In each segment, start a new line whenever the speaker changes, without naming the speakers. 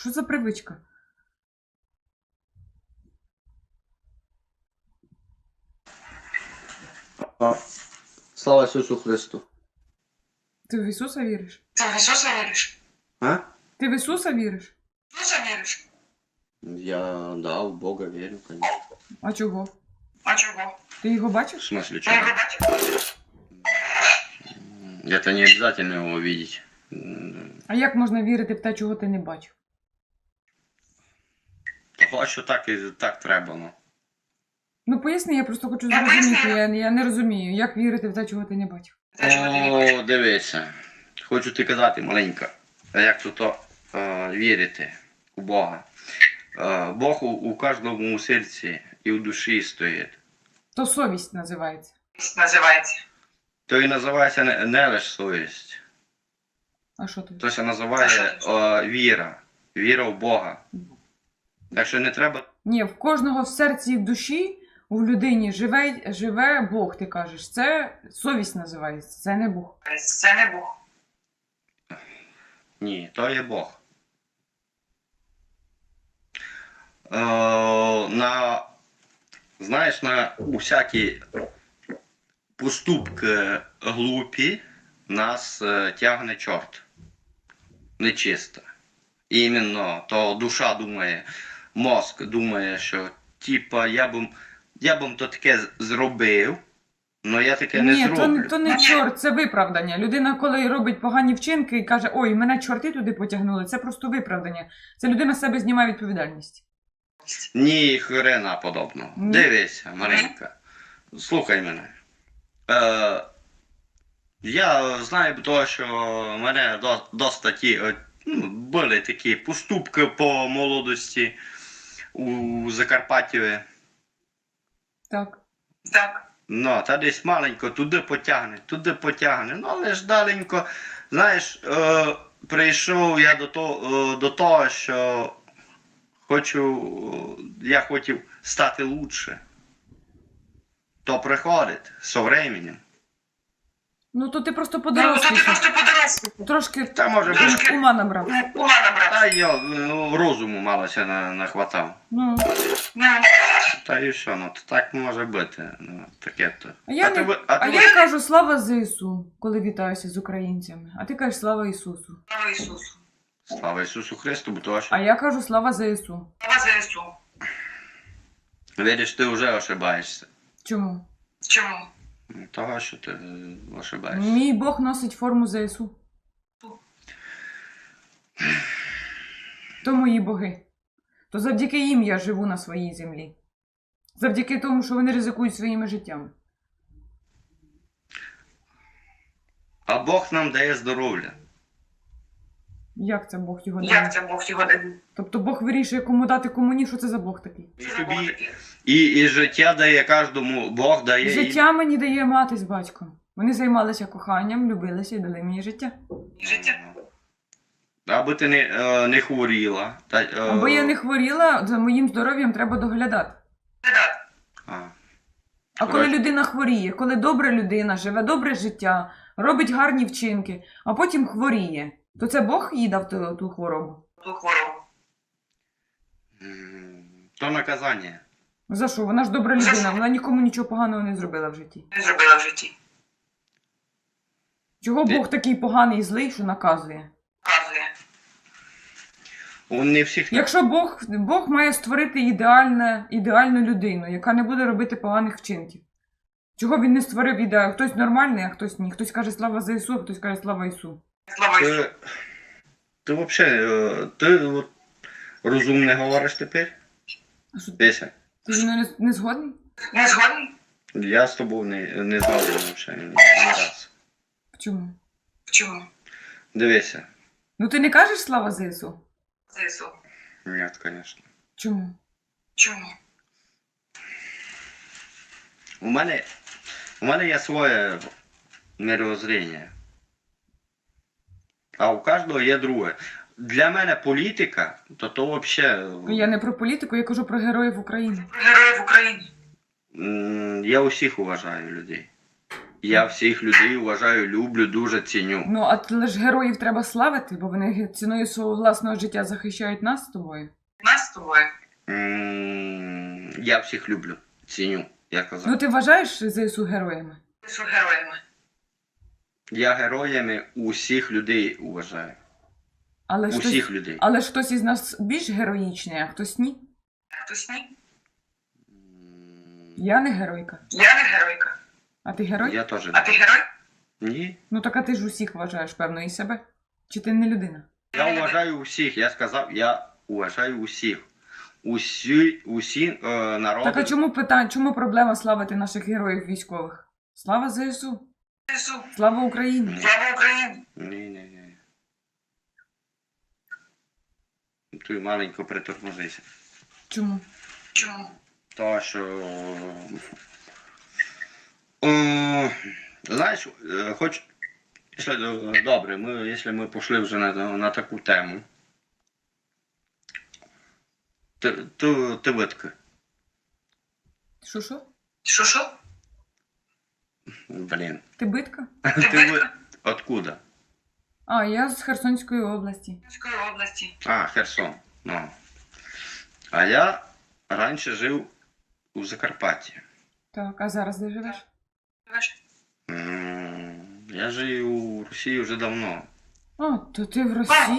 Що за привичка?
Слава Ісусу Христу.
Ти в Ісуса віриш?
Ти в Ісуса віриш?
А?
Ти в Ісуса віриш?
В Ісуса віриш?
Я, да, в Бога верю, конечно.
А чого?
А чого?
Ти його
В
бачиш?
смысле,
Ти
чего?
його бачив?
Это не обязательно его видеть.
А як можна вірити в те, чого ти не бачив?
Того, що так і так треба, ну.
Ну поясни, я просто хочу
Я
зрозуміти.
поясню.
Я не розумію, як вірити в те, чого ти не бачив.
Те, чого ти не бачив.
О, дивися. Хочу ти казати, маленька, як тут вірити у Бога. Бог у кожному серці і в душі стоїть.
То совість називається.
Називається.
То і називається не лише совість.
А що тут?
То се називає віра. Віра в Бога. Так що не треба.
Ні, в кожного в серці і в душі, у людині живе Бог, ти кажеш. Це совість називається, це не Бог.
Це не Бог.
Ні, то є Бог. Знаєш, на усякі поступки глупі нас тягне чорт. Нечисто. Іменно то душа думає, мозк думає, що типа я б то таке зробив, але я таке не
Ні,
зроблю.
то не чорт, це виправдання. Людина, коли робить погані вчинки і каже, ой, мене чорти туди потягнули, це просто виправдання. Це людина з себе знімає відповідальність.
Ні, хрена подобного.
Ні.
Дивися, Маринка. Слухай мене. Я знаю того, що в мене досить були такі поступки по молодості у Закарпатті.
Так.
Так.
Ну, та десь маленько туди потягне. Ну, але ж даленько, знаєш, прийшов я до того, що я хотів стати лучше. То приходить з временем.
Ну, то ти просто
Ну, то ти
подорослішав.
просто подорослий.
Трошки
Та може бути.
ума набрав.
Ума набрав.
Та я розуму малося нахватав.
Ну.
Ну,
Та і що, ну то так може бути. Ну, таке то.
А я,
А ти
я кажу слава ЗСУ, коли вітаюся з українцями. А ти кажеш слава Ісусу.
слава Ісусу.
Слава Ісусу Христу, бо то що.
А я кажу слава ЗСУ.
Слава ЗСУ.
Видиш, ти вже ошибаєшся.
Чому?
Чому?
Того, що ти ошибаєшся.
Мій Бог носить форму ЗСУ. То мої боги. То завдяки їм я живу на своїй землі. Завдяки тому, що вони ризикують своїми життями.
А Бог нам дає здоров'я.
Як це Бог його дає?
Як це Бог його дає?
Тобто Бог вирішує, кому дати, кому ні, що це за Бог такий?
І
Це Бог
тобі,
такий.
і життя дає кожному, Бог дає.
Життя мені дає мати з батьком. Вони займалися коханням, любилися і дали мені життя.
Життя.
Аби ти не хворіла.
Або я не хворіла, за моїм здоров'ям треба доглядати.
Так.
А коли людина хворіє, коли добра людина живе добре життя, робить гарні вчинки, а потім хворіє, то це Бог їй дав ту хворобу.
Ту хворобу.
То наказання.
За що? Вона ж добра людина, вона нікому нічого поганого не зробила в житті.
Не зробила в житті.
Чого Бог такий поганий і злий, що наказує?
Показує.
Не всіх.
Якщо Бог має створити ідеальну людину, яка не буде робити поганих вчинків. Чого він не створив ідеал? Хтось нормальний, а хтось ні. Хтось каже слава ЗСУ, а хтось каже слава Ісу.
Слава Ісусу.
Ти взагалі, розумно говориш тепер?
А що,
Дися.
ти зі мною не згодний?
Не згодний?
Я з тобою не згоден взагалі ні раз.
Чому?
Чому?
Дивися.
Ну ти не кажеш слава ЗСУ?
ЗСУ.
Ні, звісно.
Чому?
Чому?
У мене є своє мировоззрення. А у кожного є друге. Для мене політика, то взагалі...
Я не про політику, я кажу про героїв України.
Героїв України.
Я усіх уважаю людей. Я всіх людей вважаю, люблю, дуже ціню.
Ну, але ж героїв треба славити, бо вони ціною свого власного життя захищають нас з тобою.
Нас з тобою.
Я всіх люблю, ціню, я казав.
Ну, ти вважаєш ЗСУ героями?
З героями.
Я героями усіх людей вважаю.
Але ж
Усіх
хтось,
людей.
але ж хтось із нас більш героїчний, а хтось ні.
Хтось ні?
Я не геройка.
Я не геройка.
А ти герой?
Я теж
А
не.
ти герой?
Ні.
Ну так а ти ж усіх вважаєш, певно, і себе. Чи ти не людина?
Я вважаю усіх, я сказав, я вважаю усіх. Усі народи.
Так а чому проблема славити наших героїв військових? Слава ЗСУ!
Ісу.
Слава Україні!
Слава Україні.
Ні. Ти маленько притормозися.
Чому?
Чому?
То, що... Знаєш, хоч... Добре, якщо ми пішли вже на таку тему. Ти витка.
Що?
Що?
Блін.
Ти битка?
Откуда?
А, я з Херсонської області.
Київської області.
А, Херсон. Ну. А я раніше жив у Закарпатті.
Так, а зараз де живеш?
Я жив у Росії вже давно.
А, то ти в Росії?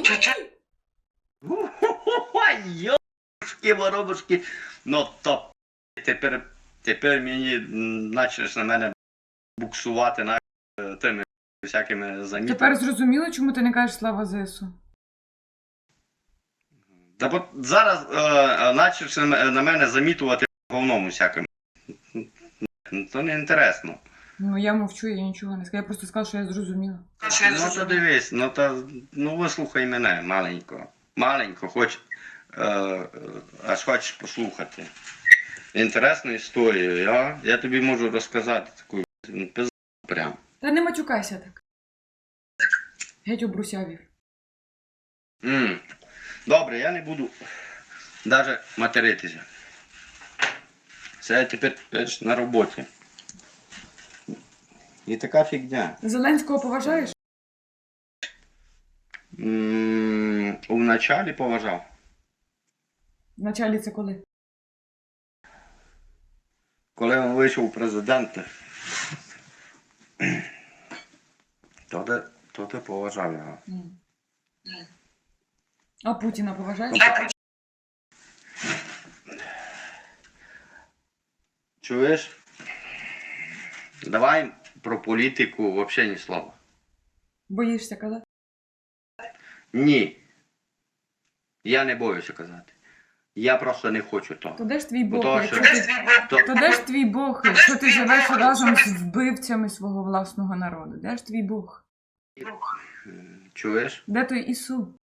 Йошки, воробушки. Ну, то тепер мені почнеш на мене буксувати тими всякими замітами.
Тепер зрозуміло, чому ти не кажеш слава ЗСУ?
Та от зараз почнеш на мене замітувати говном усяким. То не інтересно.
Ну, я мовчу, я нічого не скажу. Я просто сказала, що я зрозуміла.
Ну то дивись, ну вислухай мене маленько. Маленько, аж хочеш послухати. Інтересну історію, я тобі можу розказати таку пизду прям.
Та не матюкайся так. Геть обрусявів.
Добре, я не буду навіть материтися. Це я тепер на роботі. І така фігня.
Зеленського поважаєш?
У началі поважав.
Вначалі це коли?
Коли він вийшов президент, то ти поважав його.
А Путіна поважаєш?
Чуєш? Давай про політику взагалі ні слова.
Боїшся казати?
Ні. Я не боюся казати. Я просто не хочу того.
То де ж твій Бог,
То,
якщо
що-
ти... То де ж твій Бог, якщо ти живеш разом з вбивцями свого власного народу? Де ж твій Бог?
Чуєш?
Де той Ісу?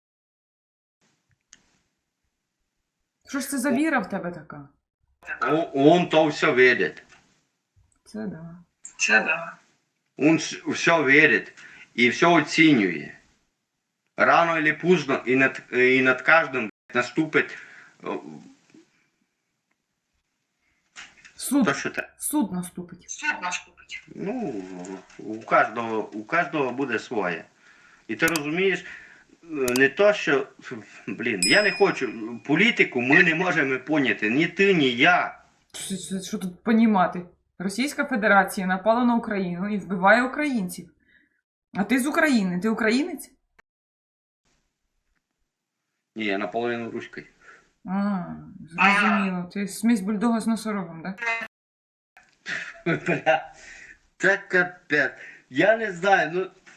Що ж це за віра в тебе така?
Он то все видить.
Це да.
Це да.
Он все вірить і все оцінює. Рано или поздно і над кожним наступить
Суд.
то, що те.
Суд наступить.
Суд наш купить.
Ну, у кожного буде своє. І ти розумієш, не то, що, я не хочу, політику ми не можемо поняти, ні ти, ні я.
Що тут понімати? Російська Федерація напала на Україну і вбиває українців. А ти з України. Ти українець?
Ні, я наполовину руський.
А, зрозуміло. Ти смесь бульдога з носорогом, так?
Бля, це капець. Я не знаю,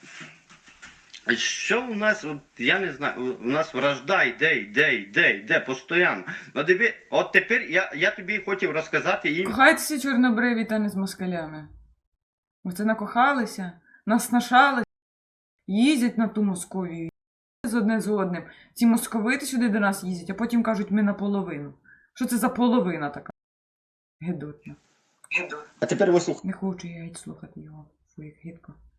що у нас, я не знаю, у нас вражда йде, постійно. Ну, диви, от тепер я тобі хотів розказати їм.
Кохайтеся чорнобриві та не з москалями. Оце накохалися, наснашалися, їздять на ту Московію, з одне з одним. Ці московити сюди до нас їздять, а потім кажуть, ми наполовину. Що це за половина така? Гидотна.
Гиду.
А тепер вислухай.
Не хочу я геть слухати його, своїх гидко.